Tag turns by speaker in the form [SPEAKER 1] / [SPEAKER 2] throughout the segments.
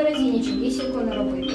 [SPEAKER 1] наразі нічогісінько не робити.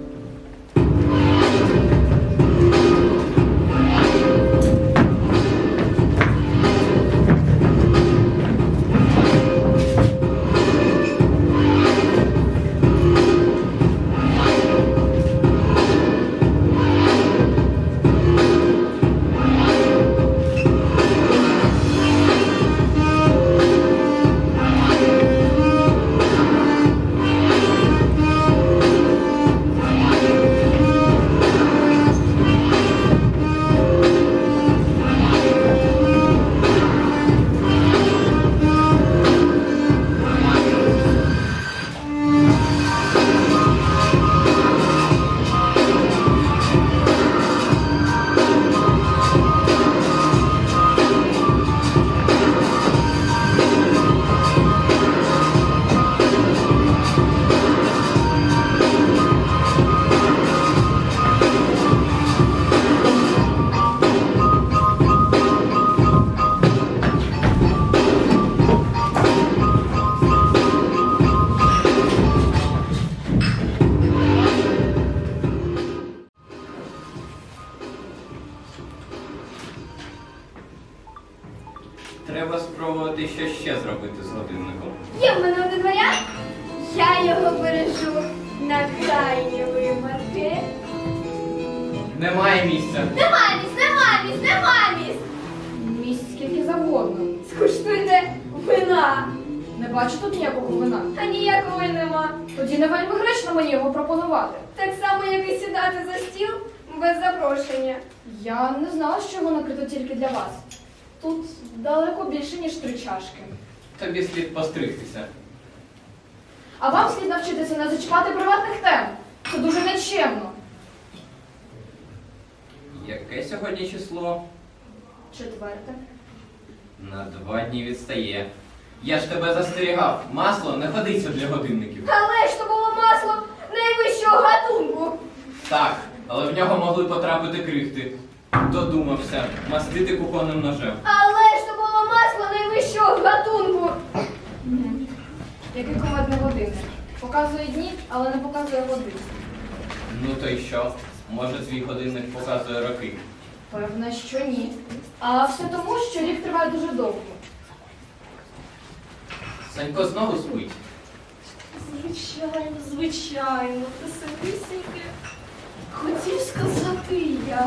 [SPEAKER 2] Треба спробувати що ще зробити з годинником.
[SPEAKER 3] Є в мене один варіант. Я його бережу на крайні випадки.
[SPEAKER 2] Немає місця.
[SPEAKER 3] Нема місць, нема місць, нема місць.
[SPEAKER 1] Місць скільки завгодно.
[SPEAKER 3] Скуштуйте вина.
[SPEAKER 1] Не бачу тут ніякого вина.
[SPEAKER 3] А ніякого й нема.
[SPEAKER 1] Тоді не вельми гречно мені його пропонувати.
[SPEAKER 3] Так само, як і сідати за стіл без запрошення.
[SPEAKER 1] Я не знала, що його накрито тільки для вас. Тут далеко більше, ніж 3 чашки.
[SPEAKER 2] Тобі слід постригтися.
[SPEAKER 1] А вам слід навчитися не зачіпати приватних тем. Це дуже нечемно.
[SPEAKER 2] Яке сьогодні число?
[SPEAKER 1] 4.
[SPEAKER 2] На 2 дні відстає. Я ж тебе застерігав. Масло не годиться для годинників.
[SPEAKER 3] Але ж то було масло найвищого гатунку.
[SPEAKER 2] Так, але в нього могли потрапити крихти. Додумався мастити кухонним ножем.
[SPEAKER 3] Але ж то було масло найвищого гатунку.
[SPEAKER 1] Який кумедний годинник. Показує дні, але не показує години.
[SPEAKER 2] Ну то й що? Може твій годинник показує роки?
[SPEAKER 1] Певне, що ні. А все тому, що рік триває дуже довго.
[SPEAKER 2] Санько знову спить.
[SPEAKER 4] Звичайно, звичайно, присиписеньки. Хотів сказати я.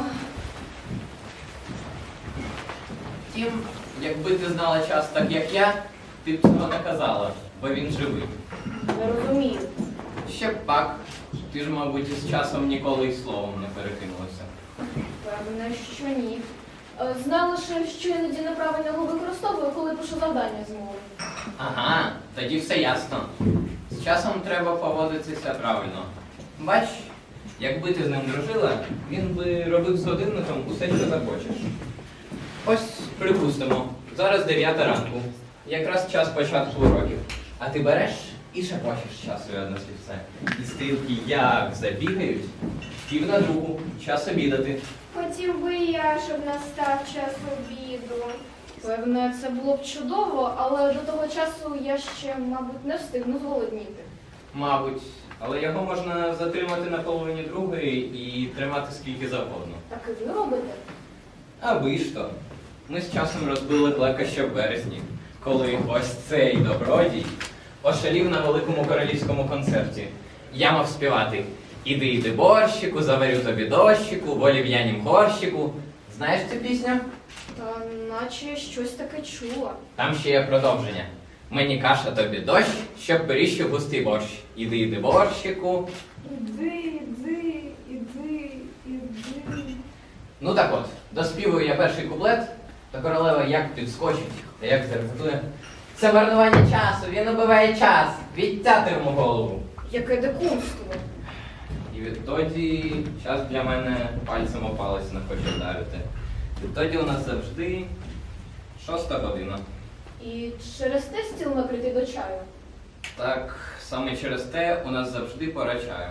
[SPEAKER 2] Втім, якби ти знала час так, як я, ти б цього не казала, бо він живий.
[SPEAKER 1] Не розумію.
[SPEAKER 2] Ще б пак, ти ж, мабуть, із часом ніколи й словом не перекинулася.
[SPEAKER 1] Певне, що ні. Знаю лише, що іноді неправильно його використовую, коли пишу завдання з мови.
[SPEAKER 2] Ага, тоді все ясно. З часом треба поводитися правильно. Бач, якби ти з ним дружила, він би робив з годинником усе, що захочеш. Ось, припустимо, зараз 9 ранку. Якраз час початку уроків. А ти береш і шепочеш часові однослівце. І стрілки як забігають, 1:50, час обідати.
[SPEAKER 3] Хотів би я, щоб настав час обіду.
[SPEAKER 1] Певне, це було б чудово, але до того часу я ще, мабуть, не встигну зголодніти.
[SPEAKER 2] Мабуть, але його можна затримати на половині другої і тримати скільки завгодно.
[SPEAKER 1] Так і ви робите?
[SPEAKER 2] А ви ж то. Ми з часом розбили клека ще в березні, коли ось цей добродій ошалів на великому королівському концерті. Я мав співати «Іди, іди, борщику, заварю тобі дощику, в олів'янім горщику». Знаєш цю пісню?
[SPEAKER 1] Та наче щось таке чула.
[SPEAKER 2] Там ще є продовження. Мені каша, тобі дощ, щоб періщив густий борщ. Іди, іди, борщику.
[SPEAKER 4] Іди, іди, іди, іди.
[SPEAKER 2] Ну так от, доспівую я перший куплет, та королева як підскочить, та як зарепетує. Це марнування часу, він убиває час, відтяти йому голову.
[SPEAKER 1] Яке дикунство.
[SPEAKER 2] І відтоді час для мене пальцем о палець не хоче вдарити. Відтоді у нас завжди 6 година.
[SPEAKER 1] І через те стіл накритий до чаю.
[SPEAKER 2] Так, саме через те у нас завжди пора чаю.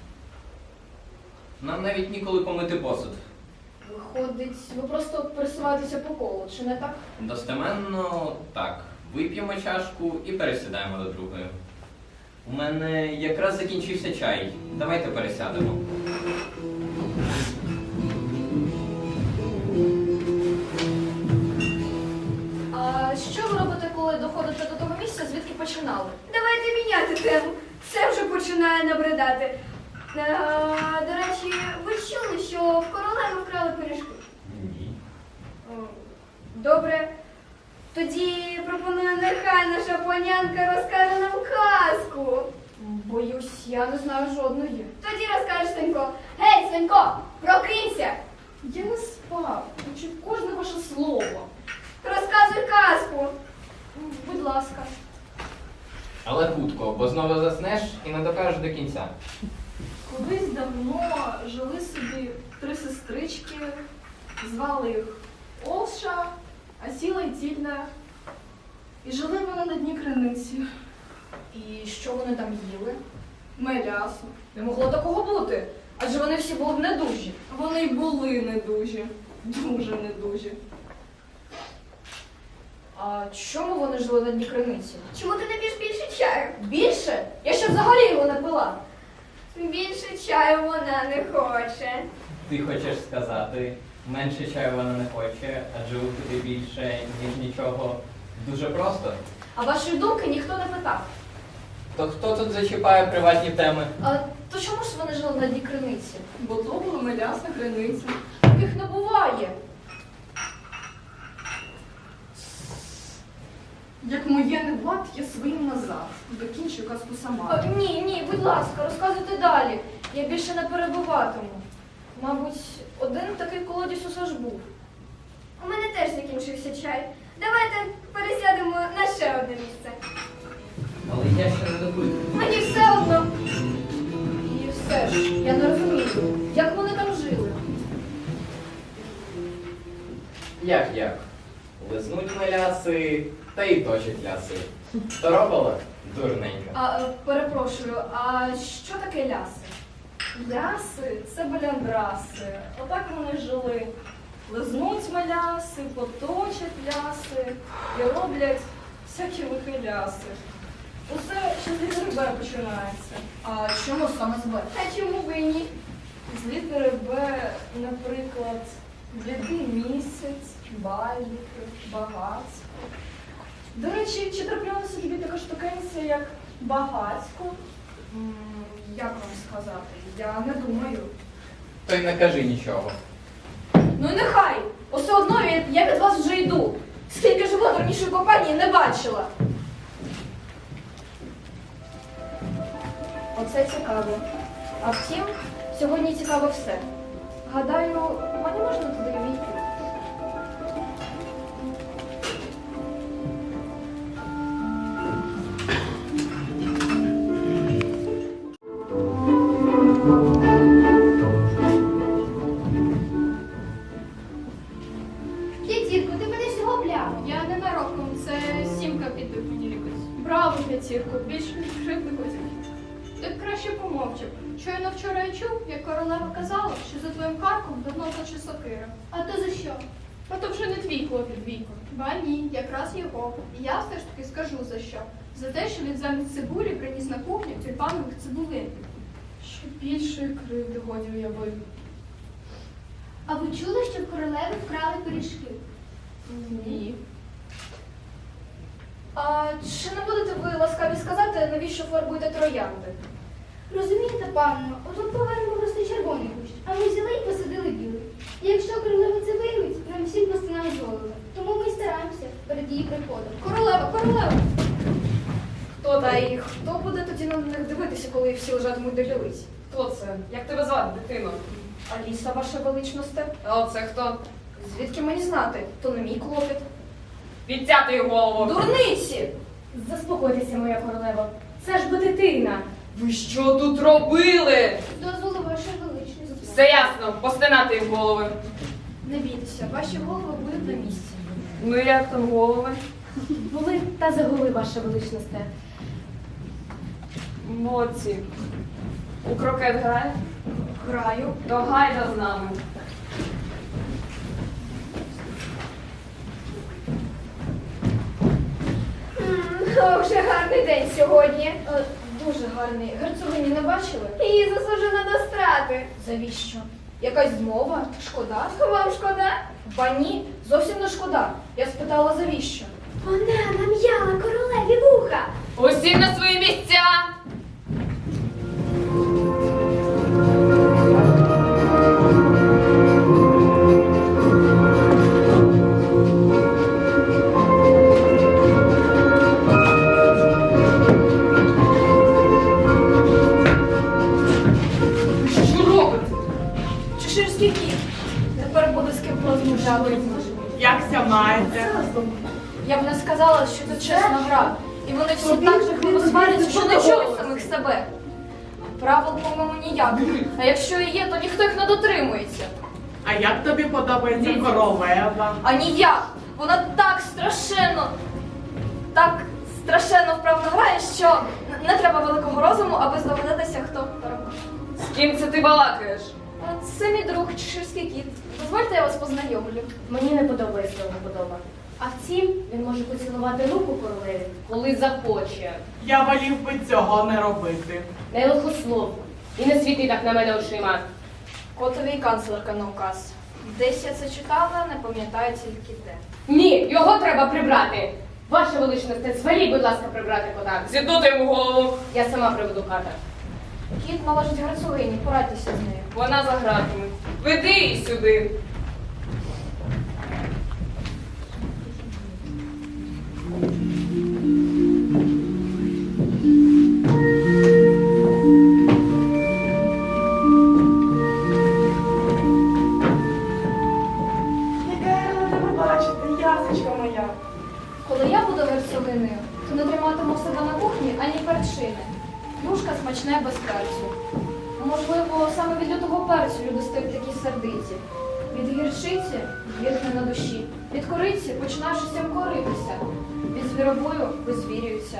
[SPEAKER 2] Нам навіть ніколи помити посуд.
[SPEAKER 1] Виходить, ви просто пересуваєтеся по колу, чи не так?
[SPEAKER 2] Достеменно так. Вип'ємо чашку і пересідаємо до другої. У мене якраз закінчився чай. Давайте пересядемо.
[SPEAKER 1] А що ви робите, коли доходите до того місця, звідки починали?
[SPEAKER 3] Давайте міняти тему. Це вже починає набридати. До речі, ви чули, що в королеви вкрали пиріжки?
[SPEAKER 2] Ні.
[SPEAKER 3] О, добре. Тоді пропоную, нехай наша панянка розкаже нам казку.
[SPEAKER 1] Боюсь, я не знаю жодної.
[SPEAKER 3] Тоді розкажеш, Свинько. Гей, Свинько, прокинься!
[SPEAKER 1] Я не спав, чув кожне ваше слово.
[SPEAKER 3] Розказуй казку.
[SPEAKER 1] Будь ласка.
[SPEAKER 2] Але хутко, бо знову заснеш і не докажеш до кінця.
[SPEAKER 4] Колись давно жили собі 3 сестрички, звали їх Олша, Асіла і Тільда. І жили вони на дні криниці.
[SPEAKER 1] І що вони там їли?
[SPEAKER 4] Мелясо.
[SPEAKER 1] Не могло такого бути, адже вони всі були недужі.
[SPEAKER 4] Вони й були недужі, дуже недужі.
[SPEAKER 1] А чому вони жили на дні криниці?
[SPEAKER 3] Чому ти не п'єш більше чаю?
[SPEAKER 1] Більше? Я ще взагалі його не пила.
[SPEAKER 3] Більше чаю вона не хоче.
[SPEAKER 2] Ти хочеш сказати, менше чаю вона не хоче, адже випити більше, ніж нічого. Дуже просто.
[SPEAKER 1] А вашої думки ніхто не питав.
[SPEAKER 2] То хто тут зачіпає приватні теми?
[SPEAKER 1] А то чому ж вони жили на дні криниці?
[SPEAKER 4] Бо то була мелясна криниця.
[SPEAKER 1] Таких не буває.
[SPEAKER 4] Як моє не влад, я своїм назад. Докінчу казку сама.
[SPEAKER 1] Ні, будь ласка, розказуйте далі. Я більше не перебуватиму. Мабуть, один такий колодязь усе ж був.
[SPEAKER 3] У мене теж закінчився чай. Давайте пересядемо на ще одне місце.
[SPEAKER 2] Але я ще не допив.
[SPEAKER 3] Мені все одно.
[SPEAKER 1] І все ж, я не розумію, як вони там жили.
[SPEAKER 2] Як? Лизнуть меляси, та й точать ляси. Торопала? Дурненька.
[SPEAKER 1] Перепрошую, а що таке ляси?
[SPEAKER 4] Ляси це баляндраси. Отак вони жили. Лизнуть меляси, поточать ляси і роблять всякі лихі ляси. Усе ще з літери Б починається.
[SPEAKER 1] А чому саме з Б?
[SPEAKER 3] А чому б і ні?
[SPEAKER 4] З літери Б, наприклад, блідий місяць, байдики, багатство. До речі, чи траплялася тобі така штукенція, як багатсько?
[SPEAKER 1] Як вам сказати? Я не думаю.
[SPEAKER 2] То й не кажи нічого.
[SPEAKER 1] Ну і нехай! Усе одно я від вас вже йду. Скільки живу, дурнішої компанії не бачила. Оце цікаво. А втім, сьогодні цікаво все. Гадаю, мені можна туди війти.
[SPEAKER 3] П'ятірку, ти мене всього пляв.
[SPEAKER 4] Я ненароком, це сімка підбив мені лікось. Браво, п'ятірку, більше кривди хотів. Ти б краще помовчав. Щойно вчора я чув, як королева казала, що за твоїм карком давно точе сокира.
[SPEAKER 3] А то за що?
[SPEAKER 4] А то вже не твій клопіт, Віко. Ба ні, якраз його. І я все ж таки скажу за що. За те, що він замість цибулі приніс на кухню тюльпанових цибулин. Що більшої кривди годі уявив.
[SPEAKER 3] А ви чули, що в королеви вкрали пиріжки?
[SPEAKER 4] Ні.
[SPEAKER 1] А чи не будете ви ласкаві сказати, навіщо фарбуєте троянди?
[SPEAKER 3] Розумієте, панно, отут повернемо просто червоний кущ, а ми взяли і посадили білий. І якщо королева це виявить, нам всім постане з голови. Тому ми й стараємося перед її приходом.
[SPEAKER 4] Королева!
[SPEAKER 1] Хто та і хто буде тоді на них дивитися, коли всі лежатимуть до лілиць?
[SPEAKER 4] Хто це? Як тебе звати, дитино?
[SPEAKER 1] Аліса, ваша величносте?
[SPEAKER 4] А це хто?
[SPEAKER 1] Звідки мені знати? То не мій клопіт.
[SPEAKER 4] Відтяти її голову.
[SPEAKER 1] Дурниці!
[SPEAKER 5] Заспокойтеся, моя королева. Це ж бо дитина.
[SPEAKER 4] Ви що тут робили?
[SPEAKER 3] Дозволу вашої величності.
[SPEAKER 4] Все ясно, постинати їм голови.
[SPEAKER 1] Не бійтеся, ваші голови будуть на місці.
[SPEAKER 4] Ну як там голови?
[SPEAKER 5] Були та загули, ваша величносте.
[SPEAKER 4] Молодці. У крокет грає?
[SPEAKER 1] Граю.
[SPEAKER 4] То гайда з нами.
[SPEAKER 3] О, вже гарний день сьогодні.
[SPEAKER 1] Дуже гарний. Герцогині не бачили?
[SPEAKER 3] Її засуджено до страти.
[SPEAKER 1] Завіщо? Якась змова? Шкода?
[SPEAKER 3] Вам шкода?
[SPEAKER 1] Ба ні, зовсім не шкода. Я спитала, завіщо?
[SPEAKER 3] Вона нам'яла королеві вуха.
[SPEAKER 5] Усі на свої місця!
[SPEAKER 1] Що робите? Чеширський кіт. Тепер буде з ким порозмовляти.
[SPEAKER 6] Якся маєте?
[SPEAKER 1] Я б не сказала, що це чесна гра. І вони всі так жахливо сваряться, що не чують самих себе. Правил, по-моєму, ніяких. А якщо і є, то ніхто їх не дотримується.
[SPEAKER 6] А як тобі подобається королева?
[SPEAKER 1] А ніяк. Вона так страшенно вправно грає, що не треба великого розуму, аби здогадатися, хто переможе.
[SPEAKER 5] З ким це ти балакаєш?
[SPEAKER 1] А це мій друг Чеширський кіт. Дозвольте, я вас познайомлю.
[SPEAKER 5] Мені не подобається його подоба. А втім, він може поцілувати руку королеві, коли захоче.
[SPEAKER 6] Я волів би цього не робити.
[SPEAKER 5] Не лихословно. І не світи так на мене очима.
[SPEAKER 1] Котовий канцлерка на указ. Десь я це читала, не пам'ятаю тільки де.
[SPEAKER 5] Ні, його треба прибрати. Ваша величність, зваліть, будь ласка, прибрати кота. Зіднути йому голову. Я сама приведу ката.
[SPEAKER 1] Кіт належить герцогині, порадьтеся з нею.
[SPEAKER 5] Вона за гратами. Веди її сюди.
[SPEAKER 6] Яка я рада тебе бачити, ясочка моя.
[SPEAKER 1] Коли я буду герцогинею, то не триматиму себе на кухні ані перчини. Юшка смачне без перцю. Можливо, саме від лютого перцю люди стають такі сердиті. Від гірчиці гірне на душі. Від кориці починаєш усім коритися. Від звіробою визвірюються.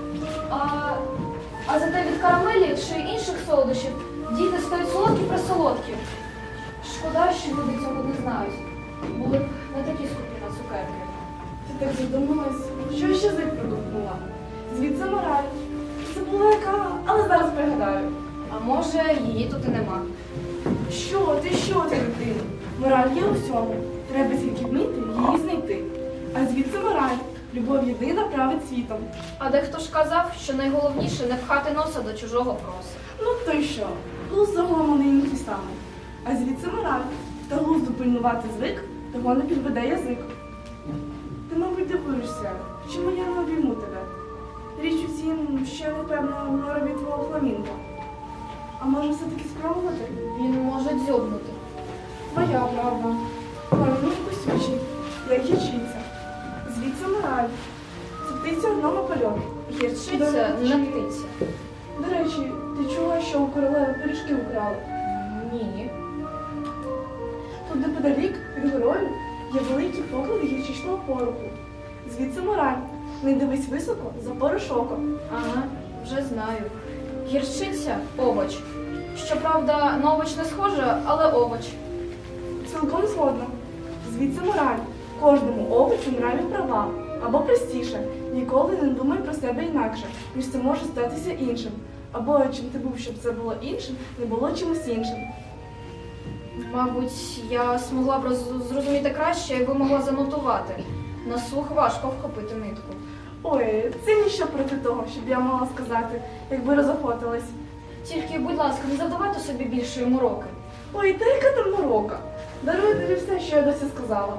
[SPEAKER 1] А зате від карамелі чи інших солодощів діти стають солодкі-присолодкі. Шкода, що люди цього не знають. Були б не такі скупі на цукерки.
[SPEAKER 7] Ти так задумалась, що я ще язик продумала. Звідси мораль. Забула яка, але зараз пригадаю.
[SPEAKER 1] А може, її тут і нема.
[SPEAKER 7] Що ти, дитино? Мораль є у всьому. Треба тільки вміти її знайти. А звідси мораль. Любов єдина править світом.
[SPEAKER 1] А дехто ж казав, що найголовніше не пхати носа до чужого проса.
[SPEAKER 7] Ну то й що? Глузд загалом не ті самий. А звідси мораль. Та глузду пильнувати звик, того не підведе язик. Ти, мабуть, дивуєшся, чому я не обійму тебе. Річ у тім, що я не певна в норові твого фламінго. А може все-таки спробувати?
[SPEAKER 1] Він може дзьобнути.
[SPEAKER 7] Твоя правда. Фламінго кусючий, як гірчиця. Звідси мораль. Це птиця одному польоту.
[SPEAKER 1] Гірчиця не птиця.
[SPEAKER 7] До речі, ти чула, що у королеви пиріжки украли?
[SPEAKER 1] Ні.
[SPEAKER 7] Тут неподалік від горою є великі поклади гірчичного пороху. Звідси мораль. Не дивись високо, за порошоком.
[SPEAKER 1] Ага, вже знаю. Гірчиця овоч. Щоправда, на овоч не схоже, але овоч.
[SPEAKER 7] Цілком згодна. Звідси мораль. Кожному овочу нраві права. Або простіше, ніколи не думай про себе інакше, ніж це може статися іншим. Або чим ти був, щоб це було іншим, не було чимось іншим.
[SPEAKER 1] Мабуть, я змогла б зрозуміти краще, якби могла занотувати. На слух важко вхопити нитку.
[SPEAKER 7] Ой, це ніщо проти того, щоб я могла сказати, якби розохотилась.
[SPEAKER 1] Тільки, будь ласка, не завдавайте собі більшої мороки.
[SPEAKER 7] Ой, та яка там морока? Даруй тобі все, що я досі сказала.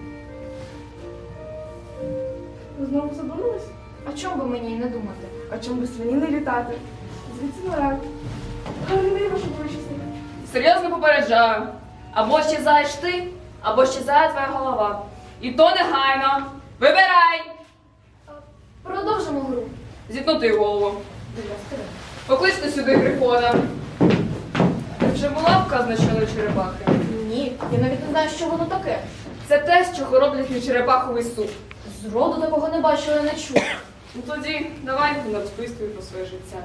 [SPEAKER 7] Ви знову задумались?
[SPEAKER 1] А чому би мені й не думати?
[SPEAKER 7] А чому би свині не літати? Звідси мораль. Гарний вашу величність.
[SPEAKER 5] Серйозно попереджаю. Або щезаєш ти, або щезає твоя голова. І то негайно. Вибирай!
[SPEAKER 1] Продовжимо гру.
[SPEAKER 5] Зітнути голову. Покличте сюди грифона. Ти вже була вказана щодо черепахи?
[SPEAKER 1] Ні, я навіть не знаю, що воно таке.
[SPEAKER 5] Це те, з чого роблять на черепаховий суп.
[SPEAKER 1] Зроду такого не бачила, не чула.
[SPEAKER 5] Ну тоді давай розписуй про своє життя.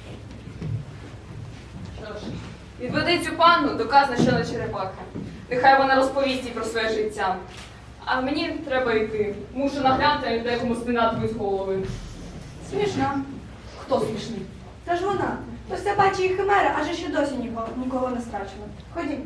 [SPEAKER 5] Що ж, відведи цю панну до казна черепахи. Нехай вона розповість їй про своє життя. А мені треба йти. Мушу наглянути, як декому спинатимуть голови.
[SPEAKER 1] Смішна. Хто смішний?
[SPEAKER 8] Це ж вона. То все бачить і химера, аже ще досі нікого не страчила. Ходім.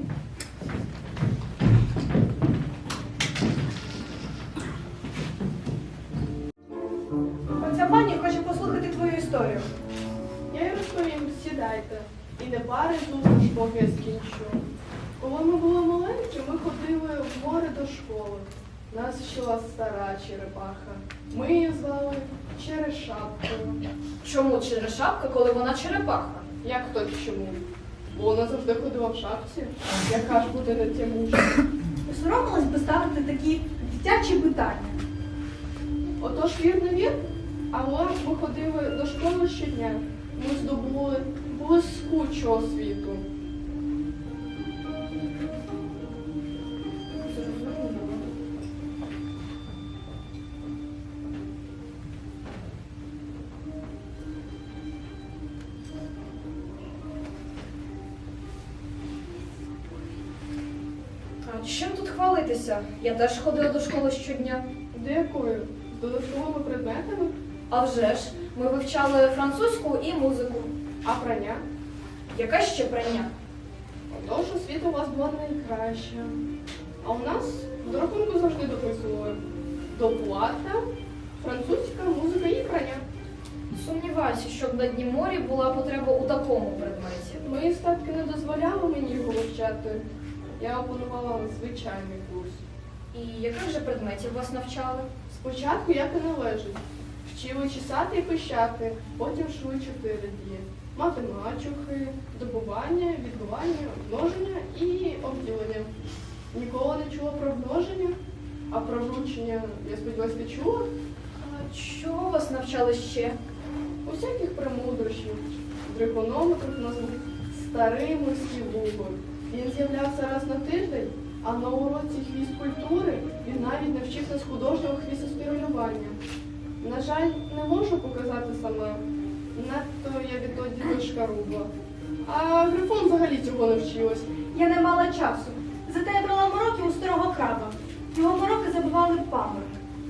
[SPEAKER 8] Оця пані хоче послухати твою історію.
[SPEAKER 9] Я й розповім, сідайте. І не пари зустріч, поки я скінчу. Коли ми були маленькі, ми ходили в море до школи. Нас вчила стара черепаха. Ми її звали Черешапкою.
[SPEAKER 1] Чому черешапка, коли вона черепаха?
[SPEAKER 9] Як то чому? Бо вона завжди ходила в шапці. Яка ж буде на тямушка?
[SPEAKER 8] Не соромилась би ставити такі дитячі питання.
[SPEAKER 9] Отож вір не вір, але ми ходили до школи щодня. Ми здобули блискучу освіту.
[SPEAKER 1] А чим тут хвалитися? Я теж ходила до школи щодня.
[SPEAKER 9] До якої? З додатковими предметами?
[SPEAKER 1] А вже ж, ми вивчали французьку і музику.
[SPEAKER 9] А прання?
[SPEAKER 1] Яке ще прання?
[SPEAKER 9] Отож, освіта у вас була найкраща. А у нас до рахунку завжди дописували доплата, французька, музика і прання.
[SPEAKER 1] Сумніваюся, щоб на дні морі була потреба у такому предметі.
[SPEAKER 9] Мої статки не дозволяли мені його вивчати. Я опанувала звичайний курс.
[SPEAKER 1] І яких же предметів вас навчали?
[SPEAKER 9] Спочатку, як і належить, вчили чесати і пищати, потім шли 4 дії. Мати мачухи, добування, відбивання, множення і обділення. Ніколи не чула про множення, а про вручення, я сподіваюся, ти чула?
[SPEAKER 1] А чого вас навчали ще?
[SPEAKER 9] Усяких премудрощів. Дригонометрів назву старий морський вугор. Він з'являвся раз на тиждень, а на уроці хвіст-культури він навіть навчив нас художнього хвістоспіралювання. На жаль, не можу показати сама. Надто я відтоді вишкарубла. А Грифон взагалі цього не вчилась.
[SPEAKER 8] Я не мала часу. Зате я брала мороки у старого краба. Його мороки забивали пам'ять.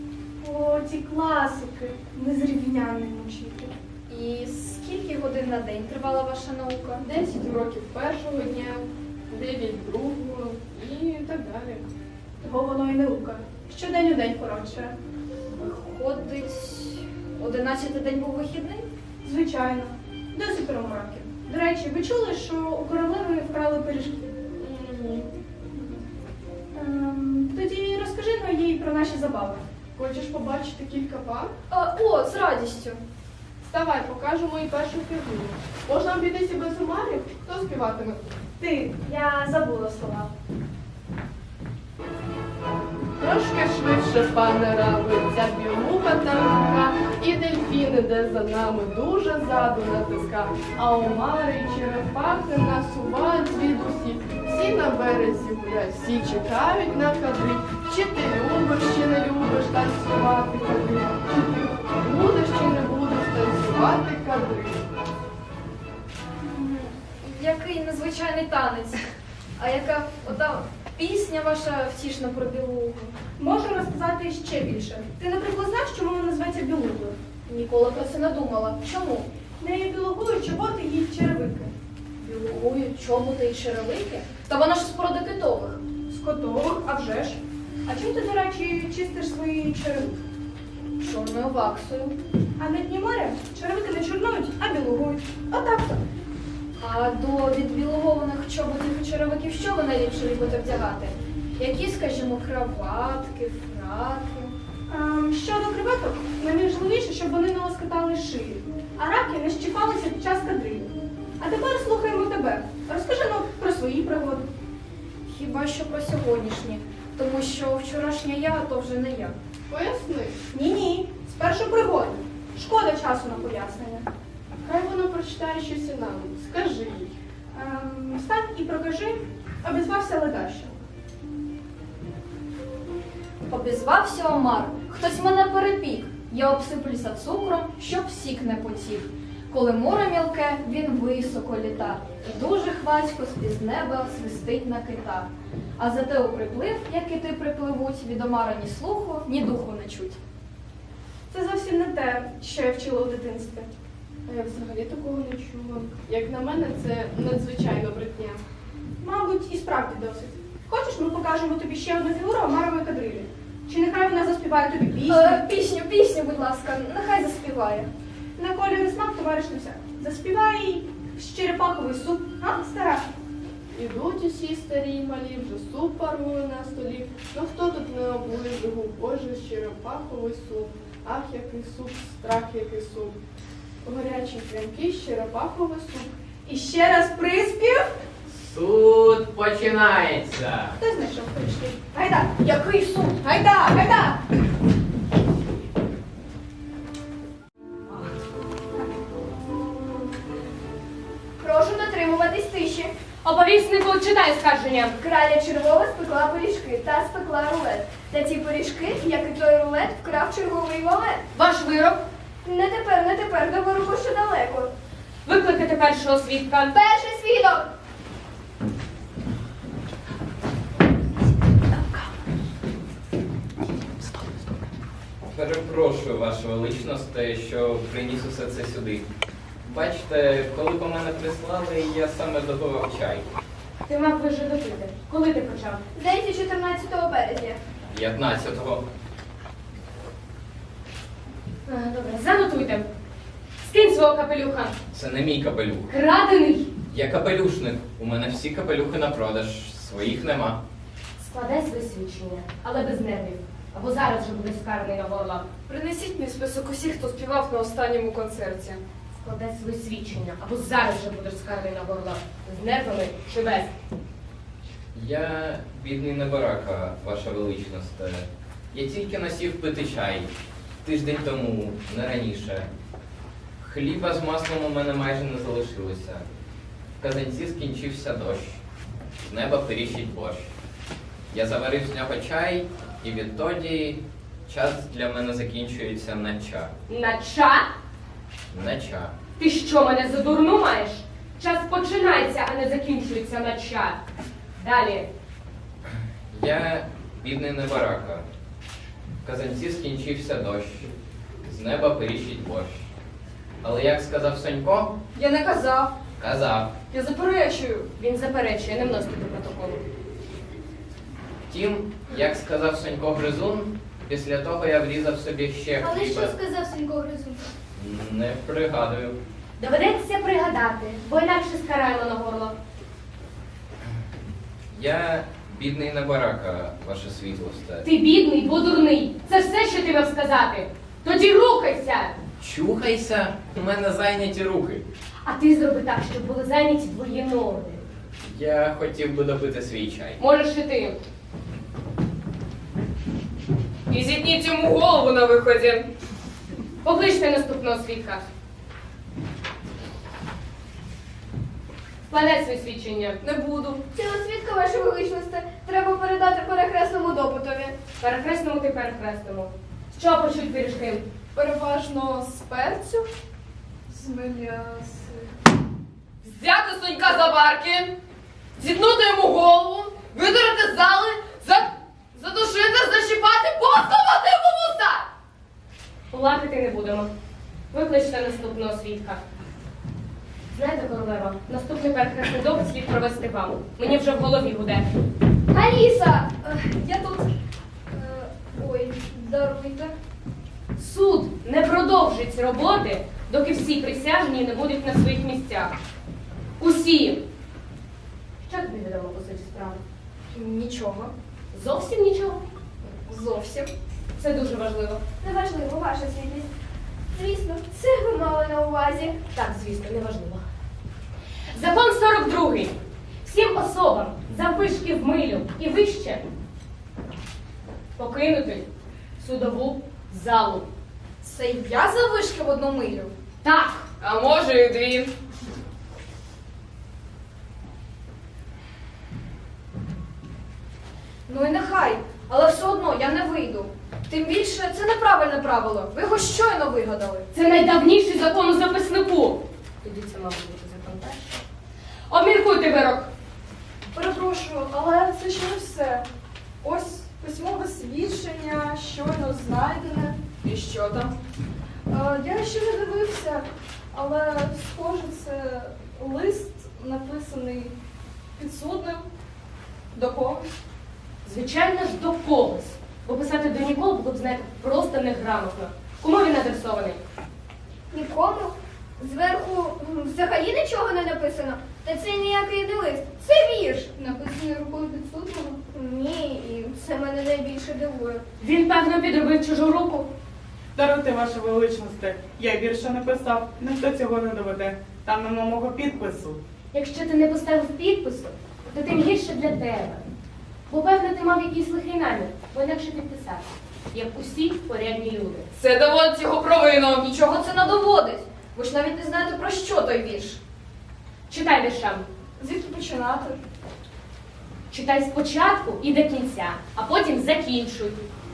[SPEAKER 8] О, ці класики, незрівнянний учитель.
[SPEAKER 1] І скільки годин на день тривала ваша наука?
[SPEAKER 9] 10 уроків першого дня, 9 другого і так далі.
[SPEAKER 8] Того воно і наука. Щодень у день коротше.
[SPEAKER 1] Виходить, 11-й день був вихідний?
[SPEAKER 8] Звичайно. Досить мороків. До речі, ви чули, що у королеви вкрали пиріжки?
[SPEAKER 9] Ні.
[SPEAKER 8] Тоді розкажи їй про наші забави.
[SPEAKER 9] Хочеш побачити кілька пар?
[SPEAKER 1] О, з радістю.
[SPEAKER 9] Вставай, покажу мої перші фігури. Можна обійтися без умарів? Хто співатиме?
[SPEAKER 8] Ти, я забула слова.
[SPEAKER 9] Трошки швидше, пане рабиця, білуха танка, і дельфін іде за нами, дуже ззаду натиска. А омари й черепахи насувають звідусі. Всі на березі гулять, всі чекають на кадри. Чи ти любиш, чи не любиш танцювати кадри? Чи ти будеш, чи не будеш танцювати кадри?
[SPEAKER 1] Який незвичайний танець. А яка ота пісня ваша втішна про білугу?
[SPEAKER 8] Можу розказати ще більше. Ти, наприклад, знаєш, чому вона називається білугою?
[SPEAKER 1] Ніколи про це не думала. Чому?
[SPEAKER 8] Нею білугують чоботи і черевики.
[SPEAKER 1] Білугують чоботи і черевики? Та вона ж з породи китових.
[SPEAKER 8] З котових, а вже ж. А чим ти, до речі, чистиш свої черевики?
[SPEAKER 1] Чорною ваксою.
[SPEAKER 8] А на дні моря черевики не чорнують, а білугують. Отак-то.
[SPEAKER 1] А до відбілогованих чоботів і черевиків що ви найліпше любите вдягати? Які, скажімо, краватки, фраки?
[SPEAKER 8] Щодо креветок, найважливіше, щоб вони не лоскотали шиї, а раки не щіпалися під час кадрилів. А тепер слухаємо тебе. Розкажи нам про свої пригоди.
[SPEAKER 1] Хіба що про сьогоднішні, тому що вчорашня я, то вже не я.
[SPEAKER 9] Поясни.
[SPEAKER 8] Ні-ні, спершу пригоди. Шкода часу на пояснення.
[SPEAKER 9] Хай вона прочитає щось і нам. Скажи їй.
[SPEAKER 8] Встань і прокажи, обізвався ледащо.
[SPEAKER 1] Обізвався Омар. Хтось мене перепік. Я обсиплюся цукром, щоб сік не потік. Коли море мілке, він високо літа, і дуже хвацько з-під неба свистить на кита. А зате у приплив, як кити припливуть, від Омара ні слуху, ні духу не чуть.
[SPEAKER 8] Це зовсім не те, що я вчила у дитинстві.
[SPEAKER 9] А я взагалі такого не чула. Як на мене, це надзвичайно брехня.
[SPEAKER 8] Мабуть, і справді досить. Хочеш, ми покажемо тобі ще одну фігуру Омарової кадрилі? Чи нехай вона заспіває тобі пісню?
[SPEAKER 1] Пісню, будь ласка, нехай заспіває.
[SPEAKER 8] На колір і смак товариш не всяк. Заспівай їй черепаховий суп, а, стара?
[SPEAKER 9] Ідуть усі старі й малі, вже суп парує на столі. Ну хто тут не облизує, боже, черепаховий суп. Ах, який суп, страх, який суп. Горячий прямкий черепаховий суп.
[SPEAKER 8] І ще раз приспів.
[SPEAKER 2] Суд починається.
[SPEAKER 8] Хто знайшов прийшли? Гайда!
[SPEAKER 1] Який суд?
[SPEAKER 8] Гайда! Гайда!
[SPEAKER 1] Прошу дотримуватись тиші.
[SPEAKER 5] Оповіснику, читай скарження.
[SPEAKER 1] Краля червова спекла пиріжки та спекла рулет. Та ті пиріжки, як і той рулет, вкрав черговий валет.
[SPEAKER 5] Ваш вирок.
[SPEAKER 1] Не тепер, до вироку ще далеко.
[SPEAKER 5] Викликати першого свідка.
[SPEAKER 1] Перший свідок!
[SPEAKER 2] Перепрошую, Ваша Величність, що приніс усе це сюди. Бачите, коли по мене прислали, я саме добував чай.
[SPEAKER 5] Ти мав вже допити. Коли ти почав?
[SPEAKER 1] Здається, 14 березня.
[SPEAKER 2] 15-го.
[SPEAKER 5] Добре, занотуйте. Скинь свого капелюха.
[SPEAKER 2] Це не мій капелюх.
[SPEAKER 5] Крадений.
[SPEAKER 2] Я капелюшник. У мене всі капелюхи на продаж. Своїх нема.
[SPEAKER 5] Складай своє свідчення, але без нервів. Або зараз же буде скарений на горло.
[SPEAKER 4] Принесіть мій список усіх, хто співав на останньому концерті.
[SPEAKER 5] Складай своє свідчення, або зараз же будеш скарений на горло. З нервами чи без.
[SPEAKER 2] Я бідний небарака, Ваша Величність. Я тільки насів пити чай. Тиждень тому, не раніше. Хліба з маслом у мене майже не залишилося. В казанці скінчився дощ. З неба пиріщить борщ. Я заварив з нього чай, і відтоді час для мене закінчується на ча.
[SPEAKER 5] На ча?
[SPEAKER 2] На ча.
[SPEAKER 5] Ти що, мене за дурну маєш? Час починається, а не закінчується на ча. Далі.
[SPEAKER 2] Я бідний небарака. В казанці скінчився дощ. З неба пиріщить борщ. Але як сказав Сонько?
[SPEAKER 4] Я не казав.
[SPEAKER 2] Казав.
[SPEAKER 4] Я заперечую.
[SPEAKER 5] Він заперечує, не вносить до протоколу.
[SPEAKER 2] Втім, як сказав Сонько Гризун, після того я врізав собі ще
[SPEAKER 3] Але що
[SPEAKER 2] хліба.
[SPEAKER 3] сказав Сенько Гризун?
[SPEAKER 2] Не пригадую.
[SPEAKER 5] Доведеться пригадати, бо інакше скараємо на горло.
[SPEAKER 2] Я бідний небарака, Ваша світлосте.
[SPEAKER 5] Ти бідний, бо дурний. Це все, що ти мав сказати. Тоді рухайся!
[SPEAKER 2] Чухайся, у мене зайняті руки.
[SPEAKER 5] А ти зроби так, щоб були зайняті твої ноги.
[SPEAKER 2] Я хотів би допити свій чай.
[SPEAKER 5] Можеш і ти.
[SPEAKER 4] І зітніть йому голову на виході.
[SPEAKER 5] Покличте наступного свідка. Складай своє свідчення.
[SPEAKER 4] Не буду.
[SPEAKER 1] Цього свідка, Ваша Величність, треба передати перехресному допитові.
[SPEAKER 5] Перехресному ти перехресному. З чого почуть пиріжки?
[SPEAKER 4] Переважно з перцю, з меляси.
[SPEAKER 5] Взяти Сонька за барки, зітнути йому голову, видурити з зали, задушити, защіпати, посувати йому вуса! Плакати не будемо. Викличте наступного свідка. Знаєте, королева, наступний перехресний допит слід провести вам. Мені вже в голові гуде.
[SPEAKER 1] Аліса! Я тут. Ой, даруйте.
[SPEAKER 5] Суд не продовжить роботи, доки всі присяжні не будуть на своїх місцях. Усі. Що тобі відомо по суті справи?
[SPEAKER 1] Нічого.
[SPEAKER 5] Зовсім нічого.
[SPEAKER 1] Зовсім.
[SPEAKER 5] Це дуже важливо.
[SPEAKER 1] Неважливо, Ваша світлість. Звісно, це ви мали на увазі.
[SPEAKER 5] Так, звісно, неважливо. Закон 42. Всім особам заввишки в милю і вище покинути судову залу.
[SPEAKER 1] Це я завишки в одну милю.
[SPEAKER 5] Так,
[SPEAKER 4] А може і дві.
[SPEAKER 1] Ну і нехай, але все одно я не вийду. Тим більше це неправильне правило. Ви його щойно вигадали.
[SPEAKER 5] це найдавніший закон у записнику. Тоді це, мабуть, бути закон перший. Обміркуйте вирок.
[SPEAKER 4] Перепрошую, але це ще не все. Ось письмове свідчення, щойно знайдене. І що там? Я ще не дивився, але написаний підсудним до когось.
[SPEAKER 10] Звичайно ж, до когось. Бо писати до нікого було б, знаєте, просто неграмотно. Кому він адресований?
[SPEAKER 3] Нікому. Зверху взагалі нічого не написано. Та це ніякий не лист. Це вірш.
[SPEAKER 1] Написаний рукою підсудного.
[SPEAKER 3] Ні, і це мене найбільше дивує.
[SPEAKER 10] Він, певно, підробив чужу руку.
[SPEAKER 6] Даруйте, ваша величність, я вірша не писав, ніхто цього не доведе. Там нема мого підпису.
[SPEAKER 10] Якщо ти не поставив підпису, то тим гірше для тебе. Бо, певно, ти мав якийсь лихий намір, бо інакше підписався, як усі порядні люди.
[SPEAKER 5] Це доводить його провину.
[SPEAKER 1] Нічого це не доводить. Ви ж навіть не знаєте, про що той вірш.
[SPEAKER 10] Читай віршам.
[SPEAKER 4] Звідки починати?
[SPEAKER 10] Читай спочатку і до кінця, а потім закінчуй.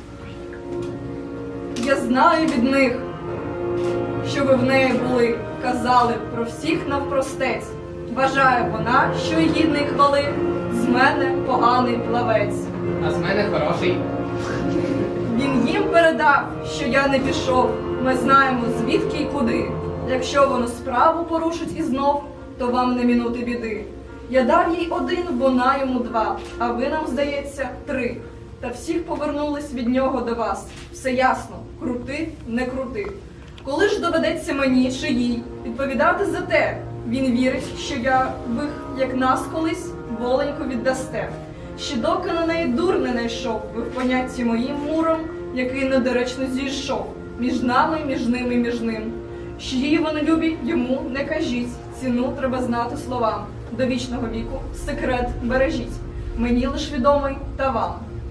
[SPEAKER 4] Я знаю від них, що ви в неї були, казали про всіх навпростець. Вважає вона, що й гідний хвали, з мене поганий плавець.
[SPEAKER 2] А з мене хороший.
[SPEAKER 4] Він їм передав, що я не пішов. Ми знаємо, звідки й куди. Якщо воно справу порушить і знов, то вам не мінути біди. Я дав їй 1, вона йому 2, а ви нам, здається, 3. Та всіх повернулись від нього до вас. Все ясно, крути, не крути. Коли ж доведеться мені чи їй відповідати за те, він вірить, що ви, як нас колись, воленько віддасте. Ще доки на неї дур не найшов, ви в понятті моїм муром, який недоречно зійшов. Між нами, між ними, між ним. Що її вони любі, йому не кажіть. Ціну треба знати словам. До вічного віку секрет бережіть. Мені лиш відомий та вам.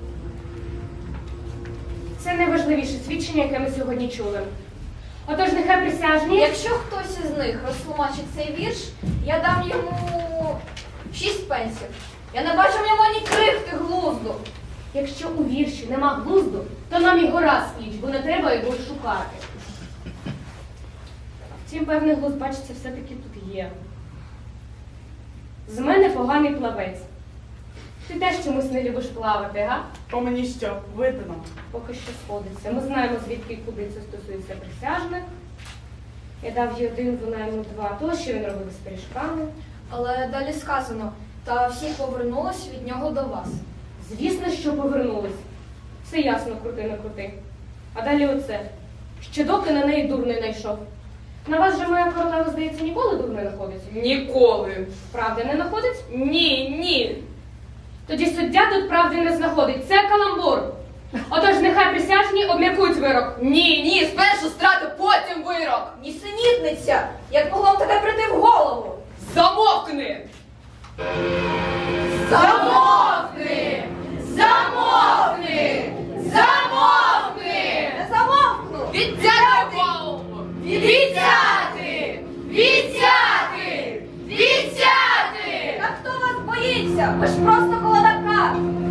[SPEAKER 10] Це найважливіше свідчення, яке ми сьогодні чули. Отож, нехай присяжні.
[SPEAKER 1] Якщо хтось із них розтлумачить цей вірш, я дам йому 6 пенсів. Я не бачу в ньому ні крихти глузду.
[SPEAKER 10] Якщо у вірші нема глузду, то нам і гора з пліч, бо не треба його шукати. Втім, певний глузд, бачиться, все-таки тут є. З мене поганий плавець. Ти теж чомусь не любиш плавати, га?
[SPEAKER 6] По мені що, видно?
[SPEAKER 10] Поки що сходиться. Ми знаємо, звідки і куди це стосується присяжних. Я дав їй 1, вона йому 2. То, що він робив з пиріжками.
[SPEAKER 1] Але далі сказано, та всі повернулись від нього до вас.
[SPEAKER 10] Звісно, що повернулись. Все ясно, крути не крути. А далі оце. Ще доки на неї дур не найшов. На вас же моя королева, здається, ніколи дур не находить?
[SPEAKER 5] Ніколи.
[SPEAKER 10] Правда не находить?
[SPEAKER 5] Ні.
[SPEAKER 10] Тоді суддя тут правди не знаходить. Це каламбур. Отож, нехай присяжні обміркують вирок.
[SPEAKER 5] Ні, спершу страти, потім вирок.
[SPEAKER 1] Нісенітниця! Як могло б таке прийти в голову?
[SPEAKER 5] Замовкни!
[SPEAKER 1] Замовкни! Замовкни! Замовкни! Не замовкну!
[SPEAKER 5] Відтягуй голову!
[SPEAKER 1] Відсяти! Відсяти! Відсяти! Та хто вас боїться? Ви ж просто колодака!